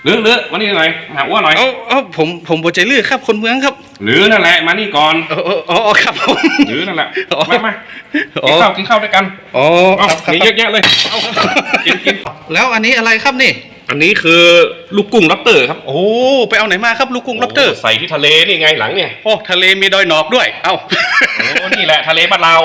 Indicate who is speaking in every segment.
Speaker 1: หรือมานี่หน่อยหาอ้วนหน่อย
Speaker 2: เอาผมบ่ใจลื้อครับคนเมืองครับ
Speaker 1: หรือนั่นแหละมานี่ก่อน
Speaker 2: อ๋อครับผม
Speaker 1: หรือนั่นแหละมากินข้าวด้วยกัน
Speaker 2: อ๋อ
Speaker 1: มีเยอะแยะเลยกิน
Speaker 2: แล้วอันนี้อะไรครับนี่
Speaker 1: อันนี้คือลูกกุ้งล็อบสเตอร์ครับ
Speaker 2: โอ้ไปเอาไหนมาครับลูกกุ้งล็อบสเตอร์
Speaker 1: ใส่ที่ทะเลนี่ไงหลังเนี่ย
Speaker 2: โอ้ทะเลมีดอยหนอกด้วยเอ้า
Speaker 1: โอ้นี่แหละทะเลบ้านเรา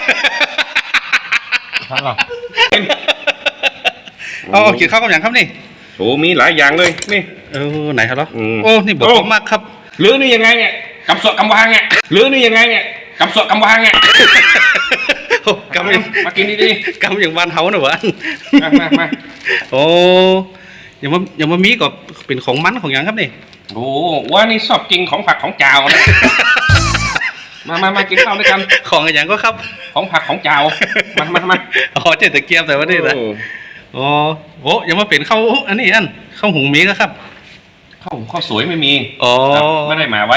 Speaker 2: เอากินข้าวกับอย่างครับนี่
Speaker 1: โอ้มีหลายอย่างเลยนี่
Speaker 2: ไหนครับล่ะโอ้นี่บอกมากครับ
Speaker 1: หรือนี่ยังไงเนี่ยกำสวกำวางเนี่ยหรือนี่ยังไงเนี่ยกำสวกำวางเนี่ย
Speaker 2: กำ
Speaker 1: มากินดี
Speaker 2: ๆกำอย่างบ้านเฮาหน่อยวะ
Speaker 1: มา
Speaker 2: โอ้ยังมามีก็เป็นของมันของอย่างครับนี่
Speaker 1: โอ้ว่านี่ชอบกินของผักของจาวนะมากินข้าวด้วยกัน
Speaker 2: ของอย่างก็ครับ
Speaker 1: ของผักของจาวมา
Speaker 2: อ๋อเจ๊ตะเกียบแต่ว่านี่นะอ๋อโอ้ยังมาเป็นข้าวอันนี้ข้าวหุงมีก็ครับ
Speaker 1: ข้าวสวยไม่มี
Speaker 2: อ๋อ
Speaker 1: ไม่ได้มาไว้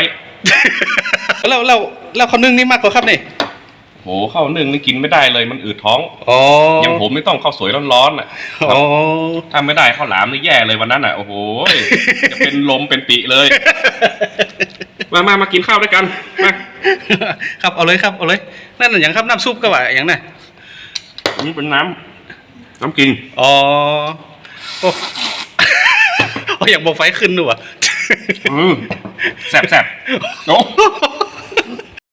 Speaker 2: แล้วข้าวนึ่งนี่มากกว่าครับนี่
Speaker 1: โหข้าวนึ่งนี่กินไม่ได้เลยมันอืดท้อง
Speaker 2: อ๋อ
Speaker 1: อย่างผมนี่ต้องข้าวสวยร้อนๆอ่ะ
Speaker 2: อ๋อ
Speaker 1: ถ้าไม่ได้ข้าวหลามนี่แย่เลยวันนั้นอ่ะโอ้โหจะเป็นลมเป็นปีเลยมากินข้าวด้วยกัน
Speaker 2: ครับเอาเลยครับเอาเลยนั่นอย่างครับน้ำซุปก็ว่าอย่างน่ะ
Speaker 1: นี่เป็นน้ำกิน
Speaker 2: อ๋อโอ้อยากบอกไฟขึ้นด้วย
Speaker 1: แสบโอ้